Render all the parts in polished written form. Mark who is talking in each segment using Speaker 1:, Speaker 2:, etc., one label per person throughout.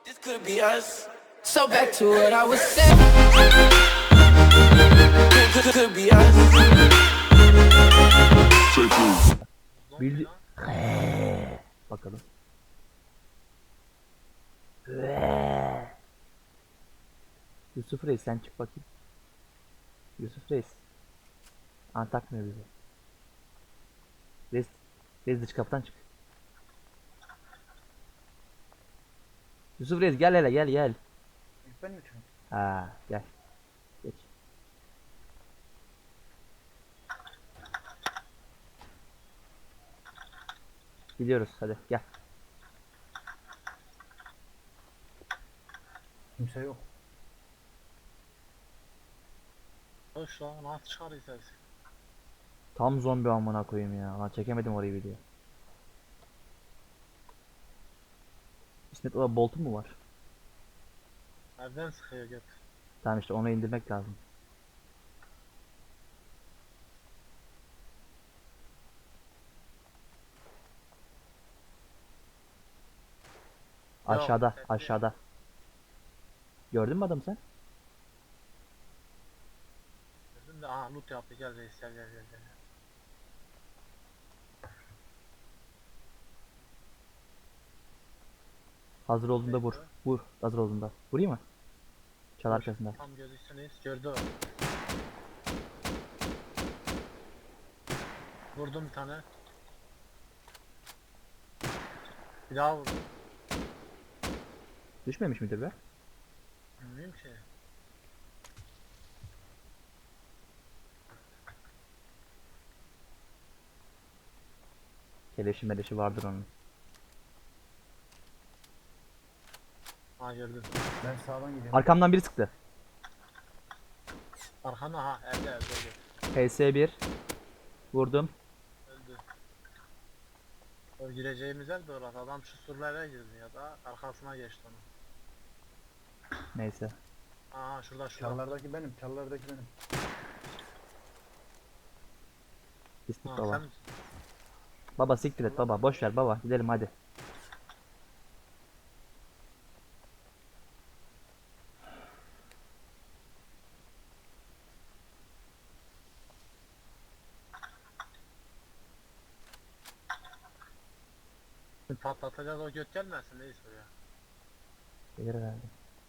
Speaker 1: Could be us. So back to what I was saying. Could be us.
Speaker 2: Bildi. Bakalım. Yusuf Reis sen çık bakayım. Yusuf Reis. Takmıyor bizi. Reis dış kapıdan çık. Yusuf Reis gel hele gel.
Speaker 3: Ben mi çıkayım?
Speaker 2: Ha gel. Geç. Gidiyoruz hadi gel.
Speaker 3: Kimse yok.
Speaker 4: Hoş lan nasıl çıkarıyız ses?
Speaker 2: Tam zombi amına koyayım ya. Lan çekemedim orayı video. İsmet o boltu mu var?
Speaker 4: Nereden sıkıyor göt?
Speaker 2: Tamam işte onu indirmek lazım. Aşağıda,
Speaker 4: Yok,
Speaker 2: aşağıda. Gördün mü adam sen?
Speaker 4: Dedim de loot yaptı gel reis gel.
Speaker 2: Hazır olduğunda vur. Vur. Hazır olduğunda. Vurayım mı? Çal arkasında.
Speaker 4: Tam gözüksün reis gördü o. Vurdum bir tane. Bir daha vurdum.
Speaker 2: Düşmemiş midir be?
Speaker 4: Bilmiyorum ki.
Speaker 2: Keleşi meleşi vardır onun.
Speaker 4: Gördüm.
Speaker 3: Ben sağdan gidiyorum.
Speaker 2: Arkamdan biri sıktı.
Speaker 4: Arkana evde öldü.
Speaker 2: PS1. Vurdum.
Speaker 4: Öldü. O gireceğimiz yer de orası. Adam şu surlara girdi ya da arkasına geçti onu.
Speaker 2: Neyse.
Speaker 4: Şurada.
Speaker 3: Çallardaki benim. Çallardaki benim.
Speaker 2: İstik baba.
Speaker 4: Sen
Speaker 2: Baba siktir et baba. Boş ver baba. Gidelim hadi.
Speaker 4: patlatacağız o göt gelmesin reis buraya.
Speaker 2: Gelir herhalde.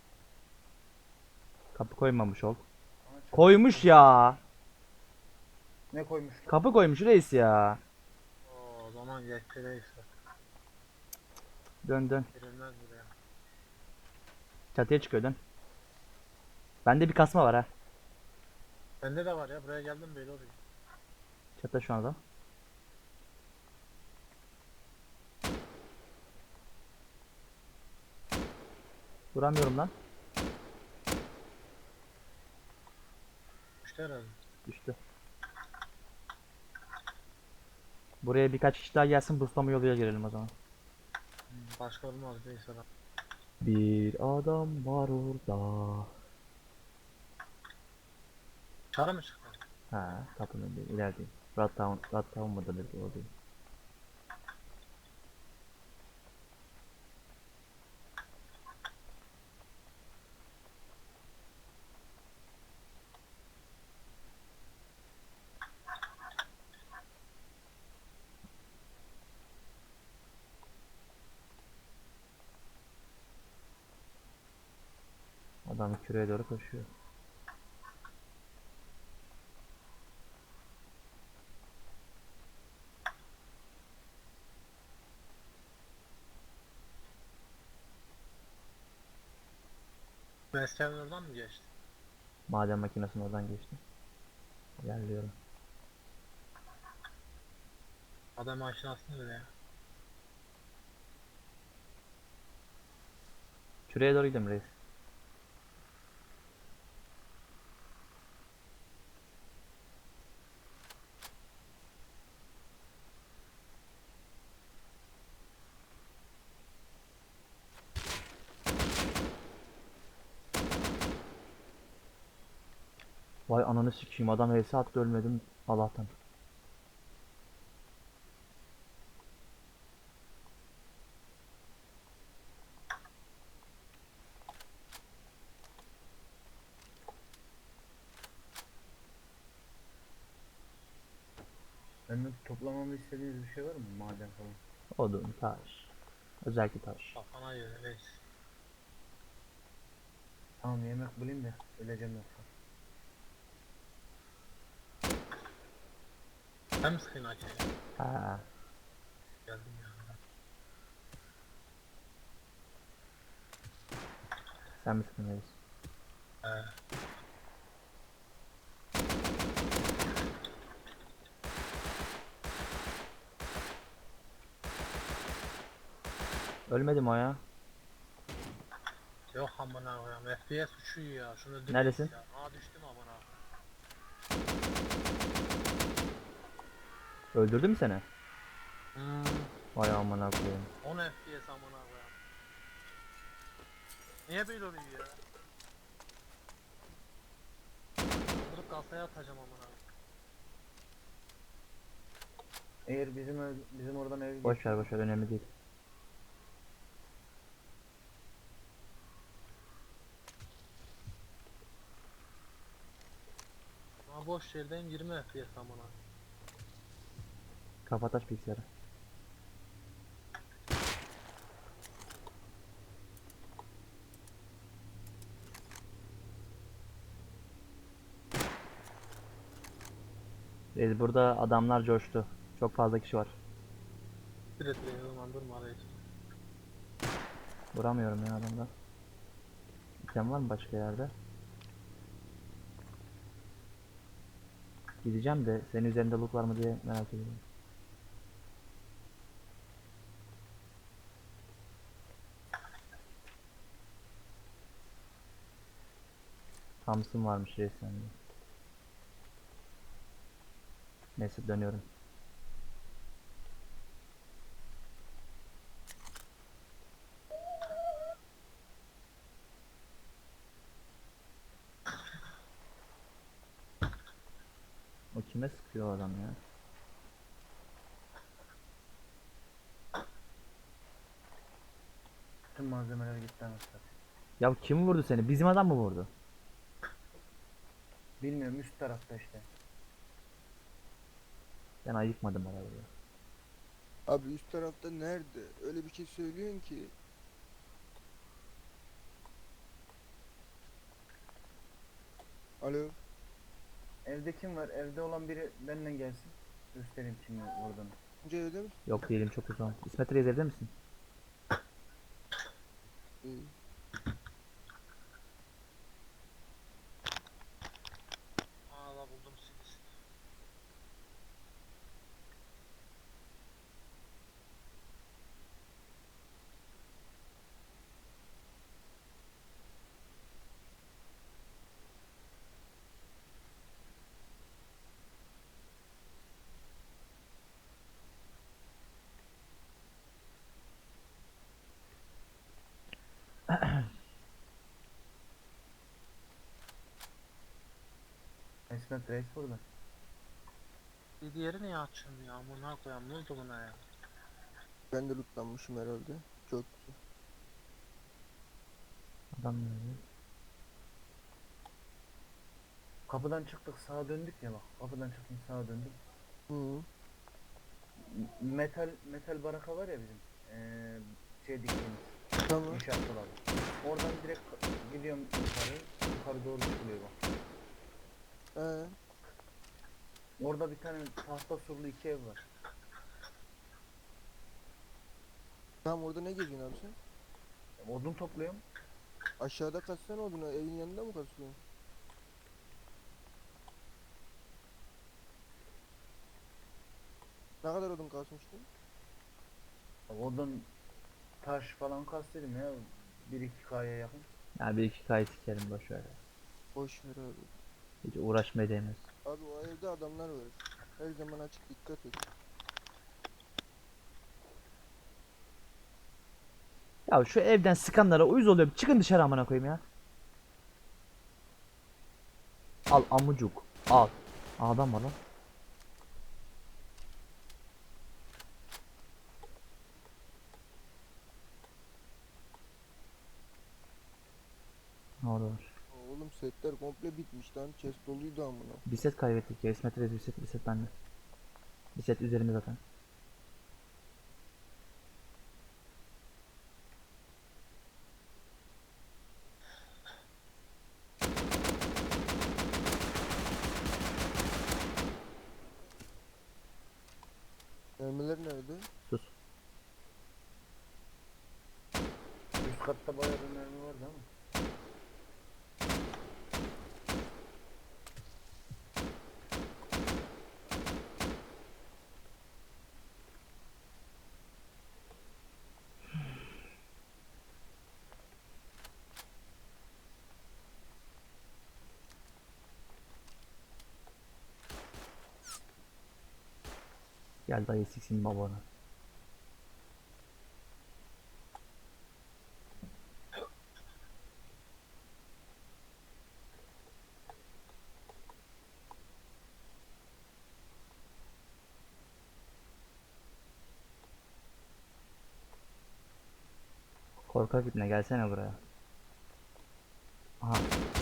Speaker 2: Kapı koymamış ol.
Speaker 3: Ama çok-
Speaker 2: Koymuş ya.
Speaker 3: Ne koymuş?
Speaker 2: Kapı koymuş reis ya.
Speaker 4: O zaman yetti reis.
Speaker 2: Dön dön.
Speaker 4: Girilmez buraya.
Speaker 2: Çatıya çıkıyor dön. Bende bir kasma var ha.
Speaker 4: Bende de var ya buraya geldim böyle oluyor.
Speaker 2: Çatıda şu an adam. Vuramıyorum lan.
Speaker 4: İşte herhalde.
Speaker 2: Düştü. Buraya birkaç kişi daha gelsin. Buslama yoluyla girelim o zaman.
Speaker 4: Başka olmaz reis adam.
Speaker 2: Bir adam var orada.
Speaker 4: Çara mı çıktı?
Speaker 2: Ha, kapının önünde ilerideyim. Rat Town mıdır dedi oradayım. Adam küreye doğru koşuyor.
Speaker 4: Mesleğin oradan mı geçti?
Speaker 2: Maden makinesinin oradan geçti. İlerliyorum.
Speaker 4: Adam aşinasını öyle ya.
Speaker 2: Küreye doğru gidelim reis. Vay ananı sikeyim, adam HS attı, ölmedim Allah'tan.
Speaker 3: Kanki toplamamı istediğiniz bir şey var mı? Maden falan.
Speaker 2: Odun, taş. Özellikle taş.
Speaker 4: Kafana göre reis.
Speaker 3: Tamam yemek bulayım da öleceğim yoksa.
Speaker 4: Hem sıkayım hadi.
Speaker 2: Ha,
Speaker 4: Geldim ya.
Speaker 2: sen misin reis?
Speaker 4: He.
Speaker 2: Ölmedim o ya.
Speaker 4: Yok amına koyayım. FPS uçuyor ya. Şunu öldürmeyiz
Speaker 2: Neredesin?
Speaker 4: ya. Aa düştüm amına.
Speaker 2: Öldürdü mü seni?
Speaker 4: Hmm.
Speaker 2: Vay amına koyayım.
Speaker 4: 10 FPS amına koyayım. Niye böyle oluyor ya? Kaldırıp kasaya atacağım amına.
Speaker 3: Eğer bizim oradan ev
Speaker 2: Boş ver boş ver, önemli değil.
Speaker 4: Ama boş yerdeyim 20 FPS amına.
Speaker 2: Kapat aç bilgisayarı. Reis burada adamlar coştu. Çok fazla kişi var.
Speaker 4: Bir de zaman durma reis.
Speaker 2: Vuramıyorum ya adamda. İtem var mı başka yerde? Gideceğim de senin üzerinde loot var mı diye merak ediyorum. Thompson varmış reis sende. Neyse dönüyorum. O kime sıkıyor o adam ya?
Speaker 3: tüm malzemeler gitti anasını.
Speaker 2: Ya kim vurdu seni? Bizim adam mı vurdu?
Speaker 3: Bilmiyorum üst tarafta işte.
Speaker 2: Ben ayıkmadım arabayı.
Speaker 5: Abi üst tarafta nerede? Öyle bir şey söylüyorsun ki. Alo.
Speaker 3: Evde kim var? Evde olan biri benimle gelsin. Göstereyim kimin oradan.
Speaker 5: Önce evde misin?
Speaker 2: Yok değilim, çok uzun. İsmet Reis evde misin?
Speaker 5: İyi.
Speaker 4: Aa la buldum sizi.
Speaker 3: İsmet Reis burada.
Speaker 4: Bir diğeri niye açılmıyor ya? Amına koyayım ne oldu buna ya?
Speaker 5: Ben de lootlanmışım herhalde. Çok güzel.
Speaker 2: Adam nerede?
Speaker 3: Kapıdan çıktık sağa döndük ya bak. Kapıdan çıktım sağa döndüm.
Speaker 5: Hı.
Speaker 3: Metal baraka var ya bizim. Şey diktiğimiz.
Speaker 5: Tamam.
Speaker 3: İnşaat dolabı. Oradan direkt gidiyorum yukarı. Yukarı doğru çıkılıyor bak.
Speaker 5: Ee,
Speaker 3: Orada bir tane tahta surlu iki ev var.
Speaker 5: tamam orada ne geziyorsun abi sen?
Speaker 3: Odun topluyorum.
Speaker 5: Aşağıda kaçsana odunu. Evin yanında mı kaçıyorsun? Ne kadar odun kasmıştın?
Speaker 3: Odun taş falan kastırdım ya. 1-2 kaya yakın.
Speaker 2: Ya bir iki kayıt sikerim boş ver ya.
Speaker 5: Boş ver abi.
Speaker 2: Hiç uğraşmaya değmez.
Speaker 5: Abi o evde adamlar var. Her zaman açık, dikkat et.
Speaker 2: Ya şu evden sıkanlara uyuz oluyorum. Çıkın dışarı amına koyayım ya. Al amucuk. Al. Adam var lan. Ne orada var?
Speaker 5: Oğlum setler komple bitmiş lan. Chest doluydu amına.
Speaker 2: Bir set kaybettik ya. İsmet Reis bir set bende. Bir set üzerinde zaten.
Speaker 5: Mermiler nerede?
Speaker 2: Sus.
Speaker 3: Üst katta bayağı bir mermi vardı ama.
Speaker 2: Gel dayı siksin babanı. Korkak ipne gelsene buraya. Aha.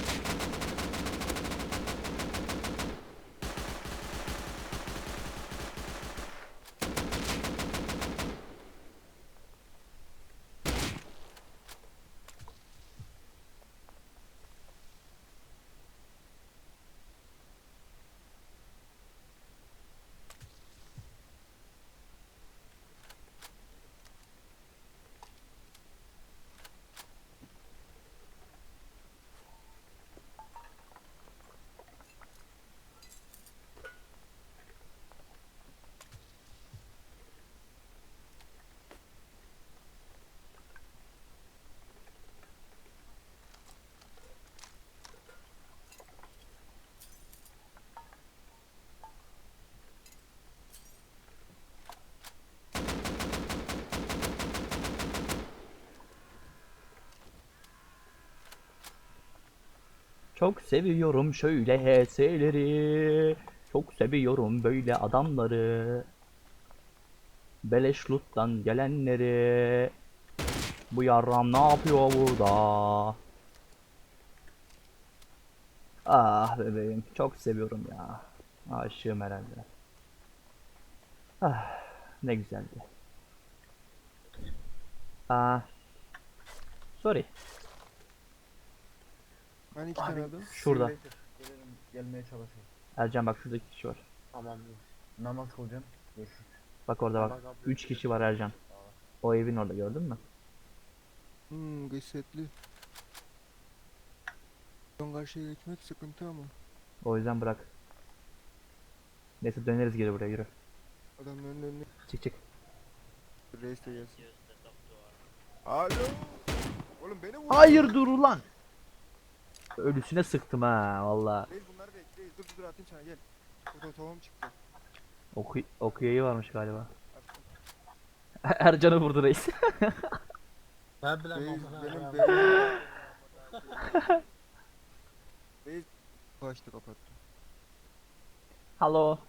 Speaker 2: Çok seviyorum şöyle HS'leri. Çok seviyorum böyle adamları. Beleş loot'tan gelenleri. Bu yarram ne yapıyor burada? Ah bebeğim çok seviyorum ya. Aşığım herhalde. Ah ne güzeldi. Ah. Sorry.
Speaker 5: Hani iki tane adam?
Speaker 2: Şurada.
Speaker 3: Simulator. Gelelim, gelmeye çalışayım.
Speaker 2: Ercan bak şurada 2 kişi var.
Speaker 4: Tamam.
Speaker 3: Namaz kılacağım. Görüşürüz.
Speaker 2: Bak orada bak. 3 kişi var Ercan. O evin orada gördün mü?
Speaker 5: Gısetli. Son karşıya geçmek sıkıntı ama.
Speaker 2: O yüzden bırak. Neyse döneriz geri buraya yürü.
Speaker 5: Adamların önüne
Speaker 2: Çık çık.
Speaker 5: reis de gelsin. Alo. Oğlum beni vur.
Speaker 2: Hayır dur ulan. Ölüsüne sıktım ha valla.
Speaker 5: Reis bunları bekle. Reis dur atayım sana gel. Burada tohum çıktı.
Speaker 2: Okuyayı varmış galiba.
Speaker 5: Attım.
Speaker 2: Ercan'ı vurdu reis.
Speaker 4: Ben bile
Speaker 5: Reis
Speaker 4: amına
Speaker 5: benim
Speaker 4: ya.
Speaker 5: beynim. Reis kaçtı kapattı.
Speaker 2: Hello,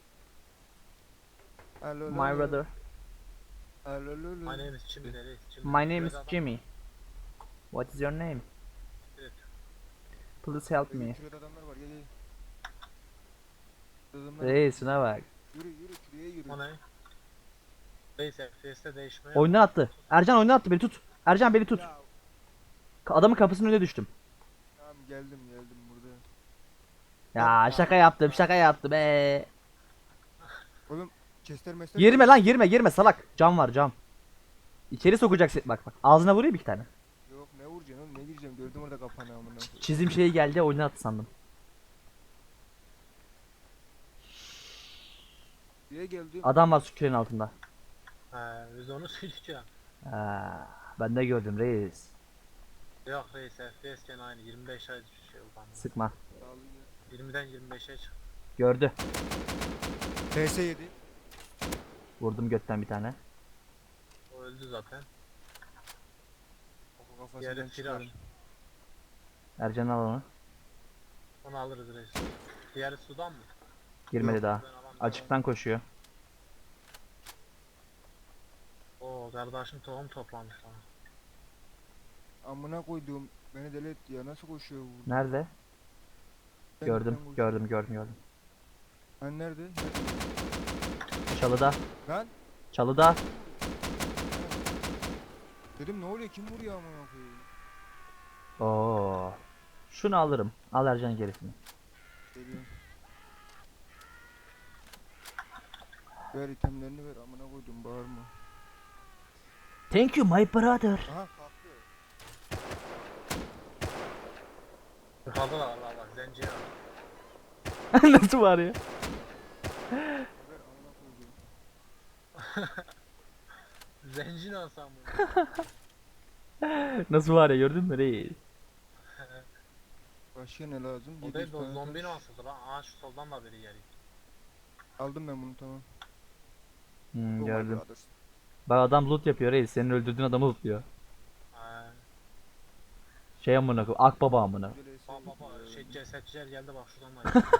Speaker 5: Alo.
Speaker 2: my brother.
Speaker 5: Alo.
Speaker 4: My name is Jimmy reis. Jimmy.
Speaker 2: My name is
Speaker 4: Böyle adam-
Speaker 2: Jimmy. What is your name?
Speaker 4: Evet.
Speaker 2: Please help me.
Speaker 5: Şurada adamlar var gel. Adamlar.
Speaker 2: Reis şuna bak.
Speaker 5: Yürü şuraya yürü.
Speaker 4: O ne? Reis FPS'te değişmeye.
Speaker 2: Oyundan attı. Ercan oyundan attı beni tut. Ercan beni tut.
Speaker 5: Ya,
Speaker 2: Adamın kapısının önüne düştüm.
Speaker 5: tamam geldim burada.
Speaker 2: Ya şaka yaptım
Speaker 5: Oğlum Chester Master.
Speaker 2: Girme lan girme salak. Cam var cam. İçeri sokacaksın bak. Ağzına vurayım bir tane.
Speaker 5: Yok ne vuracaksın oğlum ne gireceğim gördüm orada kapanı amına koyayım.
Speaker 2: Çizim şeyi geldi oyundan attı sandım.
Speaker 5: Buraya geldim.
Speaker 2: Adam var su küreğin altında.
Speaker 4: He, biz onu söyleyeceğim.
Speaker 2: Ha, ben de gördüm reis.
Speaker 4: Yok reis FPS gene aynı 25 ay şey oldu ama.
Speaker 2: Sıkma.
Speaker 4: 20'den 25'e çıktı.
Speaker 2: Gördü.
Speaker 5: PS7.
Speaker 2: Vurdum götten bir tane.
Speaker 4: O öldü zaten.
Speaker 5: Kafasından
Speaker 4: Diğeri
Speaker 5: çıkarım.
Speaker 4: firar.
Speaker 2: Ercan al onu.
Speaker 4: Onu alırız reis. Diğeri sudan mı?
Speaker 2: Girmedi
Speaker 5: Yok,
Speaker 2: daha.
Speaker 4: Ben alamam.
Speaker 2: Açıktan koşuyor.
Speaker 4: Oo kardeşim tohum toplamış lan.
Speaker 5: Amına koyduğum beni deli etti ya nasıl koşuyor bu?
Speaker 2: Nerede?
Speaker 5: Ben
Speaker 2: Gördüm
Speaker 5: koşuyor.
Speaker 2: gördüm.
Speaker 5: Hani nerede?
Speaker 2: Çalıda.
Speaker 5: Lan
Speaker 2: Çalıda.
Speaker 5: dedim ne oluyor, kim vuruyor amına koyayım?
Speaker 2: Oo. Şunu alırım. Al Ercan gerisini.
Speaker 5: Geliyorum. Ver itemlerini ver, amına koydum, bağırma.
Speaker 2: Thank you my brother.
Speaker 5: Aha kalktı.
Speaker 4: Yukarıda da var bak zenci ya.
Speaker 2: Nasıl var ya?
Speaker 5: Ver amına koydum.
Speaker 4: Zenci ne olsam bu?
Speaker 2: Nasıl var ya, gördün mü reis?
Speaker 5: Başka ne lazım?
Speaker 4: O
Speaker 5: 700
Speaker 4: değil de o
Speaker 5: tane
Speaker 4: zombi
Speaker 5: taş.
Speaker 4: nasıldı lan? Aa şu soldan da biri geliyor.
Speaker 5: Aldım ben bunu, tamam.
Speaker 2: Hmm,
Speaker 5: Oh my
Speaker 2: gördüm.
Speaker 5: brothers.
Speaker 2: Bak adam loot yapıyor reis. Senin öldürdüğün adamı lootluyor.
Speaker 4: Ha.
Speaker 2: Şey amına koy. Akbaba amına.
Speaker 5: Böyle
Speaker 4: Bak
Speaker 5: sevdim
Speaker 4: bak bak
Speaker 5: ya.
Speaker 4: şey cesetçiler geldi bak şuradan da.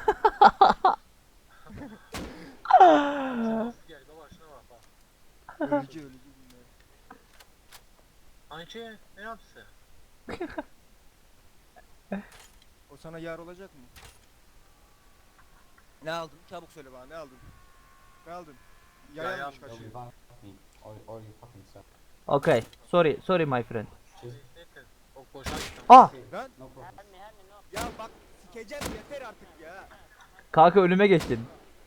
Speaker 4: Nasıl geldi baba şuna bak bak.
Speaker 5: Ölücü ölücü bunlar.
Speaker 4: Anki ne yaptı?
Speaker 5: O sana yar olacak mı? Ne aldın? Çabuk söyle bana, ne aldın? Ne aldın? Yay
Speaker 4: Yay
Speaker 5: almış
Speaker 4: aldım.
Speaker 5: kaçıyor.
Speaker 6: Or you fucking suck.
Speaker 2: Okay. Sorry. Sorry my friend.
Speaker 4: Neyse o koşar gittim.
Speaker 2: Ah!
Speaker 5: Lan
Speaker 6: No problem.
Speaker 5: ya bak, sikeceğim yeter artık ya.
Speaker 2: Kanka önüme geçtin.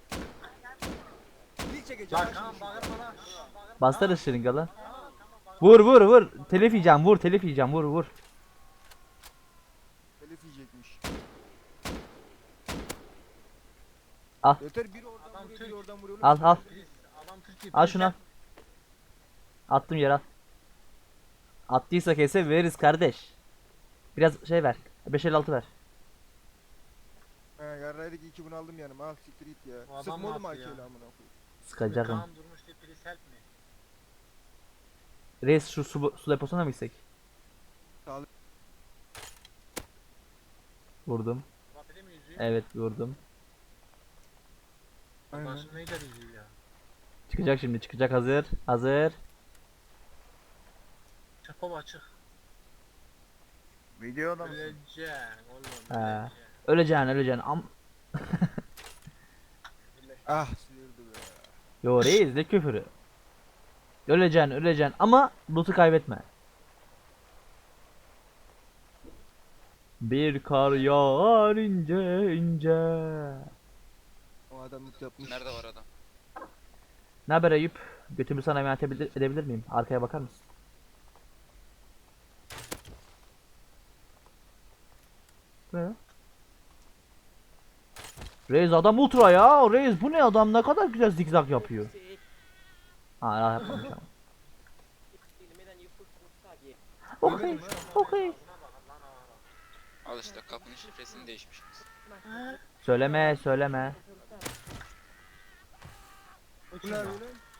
Speaker 5: Dil çekeceğim.
Speaker 4: Lan tamam bağırma lan.
Speaker 2: Bastır ışırınga lan. Vur vur vur. Telif yiyeceğim, vur telif yiyeceğim, vur vur.
Speaker 5: Telif yiyecekmiş.
Speaker 2: Al.
Speaker 5: Yeter, biri oradan
Speaker 4: Adam
Speaker 5: vuruyor, biri
Speaker 4: Türk.
Speaker 5: oradan vuruyor.
Speaker 2: Al al.
Speaker 4: Adam Türkiye.
Speaker 2: Al şunu al. Attım yere al. Attıysa kese veririz kardeş. Biraz şey ver. 556 ver.
Speaker 5: He yarraydık, iyi ki bunu aldım yanıma, al siktir git ya.
Speaker 4: Bu adam
Speaker 5: Sıkma oğlum
Speaker 4: nasıl ya?
Speaker 5: AK'yle amına koyayım.
Speaker 2: Sıkacağım.
Speaker 4: Kaan durmuş diye please help me.
Speaker 2: Reis şu su deposuna mı gitsek?
Speaker 5: Sağ ol.
Speaker 2: Vurdum.
Speaker 4: Vapide mi yüzüyor?
Speaker 2: Evet vurdum.
Speaker 5: Aynen.
Speaker 4: Başım neyden yüzüyor ya?
Speaker 2: Çıkacak şimdi, çıkacak, hazır. Hazır.
Speaker 4: Çık baba çık.
Speaker 3: Videoda mısın?
Speaker 4: Öleceksin oğlum.
Speaker 2: Ha.
Speaker 4: Öleceksin.
Speaker 2: Öleceksin am.
Speaker 5: Ah sıyırdı be.
Speaker 2: Yo reis ne küfürü. Öleceksin ama loot'u kaybetme. Bir kar yağar ince ince.
Speaker 5: O adam mut yapmış.
Speaker 7: Nerede var adam?
Speaker 2: Ne haber Eyüp? Götümü sana emanet edebilir miyim? Arkaya bakar mısın? Ne ya? Reis adam ultra ya. Reis bu ne, adam ne kadar güzel zigzag yapıyor. Ha yapmamış ama. Okey. Okey.
Speaker 7: Al işte kapının şifresini değişmişsiniz.
Speaker 2: Söyleme söyleme.
Speaker 5: Bu ne böyle?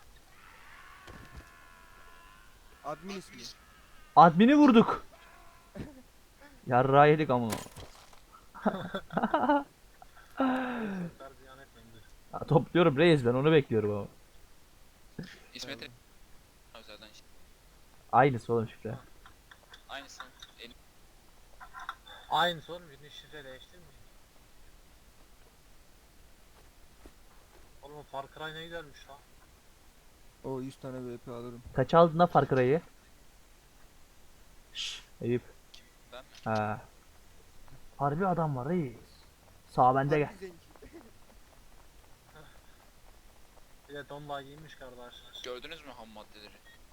Speaker 5: Admin ismi.
Speaker 2: Admini vurduk. Yarrağı yedik ama.
Speaker 4: Çocuklar ziyan etmeyin dur.
Speaker 2: Ya, topluyorum reis, ben onu bekliyorum ama.
Speaker 7: İsmet özelden işte.
Speaker 2: Aynısı oğlum şifre.
Speaker 7: Aynısı.
Speaker 4: Aynı sorun birini şifre değiştirmeyin. Oğlum Far Cry ne güzelmiş lan.
Speaker 5: O 100 tane VP alırım.
Speaker 2: Kaç aldın da Far Cry'ı? Şşş Eyüp.
Speaker 7: Ben mi?
Speaker 2: Ha. Harbi adam var reis. Sağ bende gel.
Speaker 5: Harbi zenci.
Speaker 4: Bir de donla giymiş kardeşler.
Speaker 7: Gördünüz mü ham maddeleri?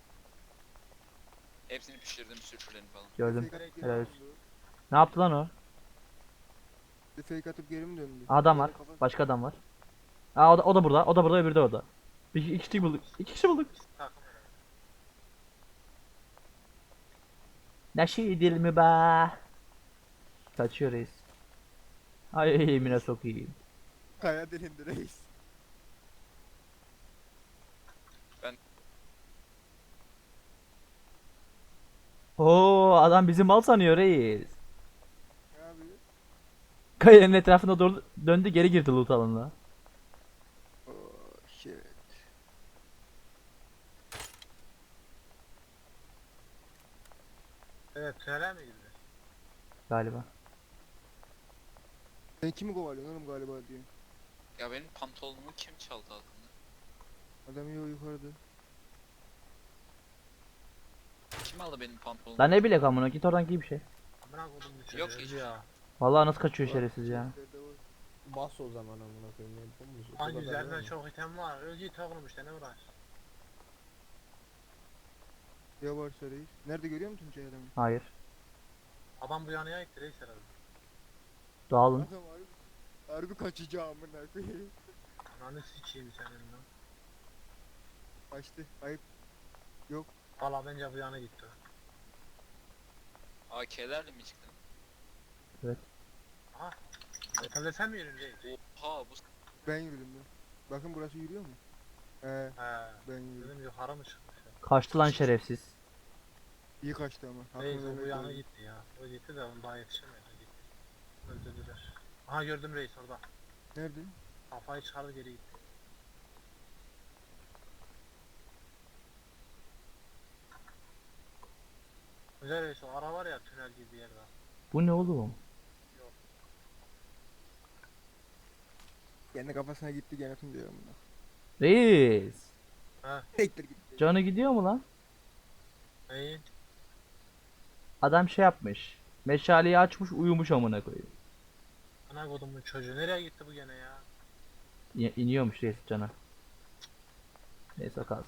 Speaker 7: Hepsini pişirdim, sürçülerini falan.
Speaker 2: Gördüm.
Speaker 5: Fake atıp
Speaker 2: Helal
Speaker 5: geri
Speaker 2: olsun.
Speaker 5: mi döndü?
Speaker 2: Ne yaptı lan o?
Speaker 5: Bir fake atıp geri mi döndü?
Speaker 2: Adam var.
Speaker 5: Kafa-
Speaker 2: Başka adam var. Aa o da burada. O da burada, öbürü de orada. İki kişi bulduk. İki kişi bulduk.
Speaker 4: Takım herhalde.
Speaker 2: Neşidil mi be? Kaçıyor reis. Ay yemine sokayım.
Speaker 5: Kaya delindi reis.
Speaker 2: Oo adam bizi mal sanıyor reis.
Speaker 5: Ne yapıyor?
Speaker 2: Kayanın etrafına doğru döndü, geri girdi loot alanına.
Speaker 5: Oh shit.
Speaker 4: Evet tünele mi girdi?
Speaker 2: Galiba.
Speaker 5: Sen kimi kovalıyorsun oğlum galiba diye.
Speaker 7: Ya benim pantolonumu kim çaldı altında?
Speaker 5: Adam yok yukarıda.
Speaker 7: Kim aldı benim pantolonumu?
Speaker 2: Lan ne bilek amına, git oradan giy bir şey.
Speaker 4: Amına kodum bu çocuğu
Speaker 7: Yok
Speaker 4: öldü
Speaker 7: hiç.
Speaker 4: ya.
Speaker 2: Vallahi nasıl kaçıyor şerefsiz ya.
Speaker 5: Chestlerde var.
Speaker 6: Bas o zaman amına koyayım. Ne yapalım? O
Speaker 4: Hangi
Speaker 6: kadar
Speaker 4: üzerinden
Speaker 6: var mı?
Speaker 4: çok item var. Öldü takılmış işte ne uğraş.
Speaker 5: Ya varsa reis. Nerede görüyor musun Tuncay adamı?
Speaker 2: Hayır.
Speaker 4: Adam bu yanıya gitti reis herhalde.
Speaker 2: Dağılın.
Speaker 5: Adam harbi kaçacağım amına koyayım.
Speaker 4: Ananı sikeyim senin lan.
Speaker 5: Kaçtı. Ayıp.
Speaker 4: Valla bence bu yana gitti.
Speaker 7: AK'lerle mi çıktın?
Speaker 4: Otelde sen mi yürüyorsun reis?
Speaker 7: Oha bu
Speaker 5: Ben yürüdüm ben. Bakın burası yürüyor mu? He
Speaker 4: He.
Speaker 5: ben yürüdüm.
Speaker 4: Dedim yukarı mı çıkmış ya?
Speaker 2: Kaçtı lan şerefsiz.
Speaker 5: İyi kaçtı ama.
Speaker 4: Reis
Speaker 5: Hakkını
Speaker 4: o bu
Speaker 5: vermek
Speaker 4: yana
Speaker 5: lazım.
Speaker 4: gitti ya. O gitti de onu daha yetişemedi. Gitti. Öldürdüler. Aha gördüm reis orada.
Speaker 5: Nerede?
Speaker 4: Kafayı çıkardı geri gitti. Güzel reis o ara var ya tünel gibi bir yerde.
Speaker 2: Bu ne oğlum?
Speaker 5: Kendi kafasına gitti gene Tuncay amına.
Speaker 2: Reis.
Speaker 5: Tektir gitti.
Speaker 2: Canı gidiyor mu lan?
Speaker 4: Neyi?
Speaker 2: Adam şey yapmış. Meşaleyi açmış, uyumuş amına koyayım.
Speaker 4: Ana kodumun çocuğu nereye gitti bu gene ya?
Speaker 2: İniyormuş reis canı. Neyse kalsın.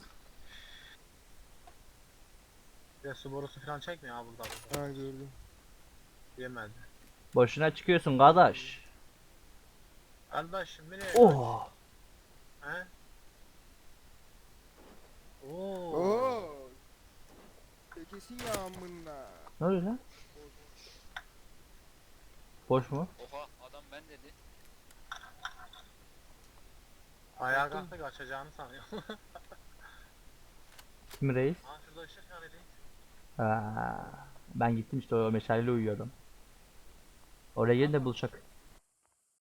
Speaker 4: Bir de su borusu falan çekmiyor ha burada.
Speaker 5: Ha gördüm.
Speaker 4: Yemedi.
Speaker 2: Boşuna çıkıyorsun kardeş.
Speaker 4: Kardeşim nereye?
Speaker 2: Oh.
Speaker 4: He? Oo.
Speaker 5: Oo. Kesin ya amına.
Speaker 2: Ne oluyor lan? Boş mu?
Speaker 7: oha adam ben dedi.
Speaker 4: Ayağa kalktı kaçacağını sanıyor.
Speaker 2: Kim reis?
Speaker 4: Aa şurada ışık yani reis.
Speaker 2: Ha, ben gittim işte o meşaleyle uyuyordum. Oraya gelin de buluşak.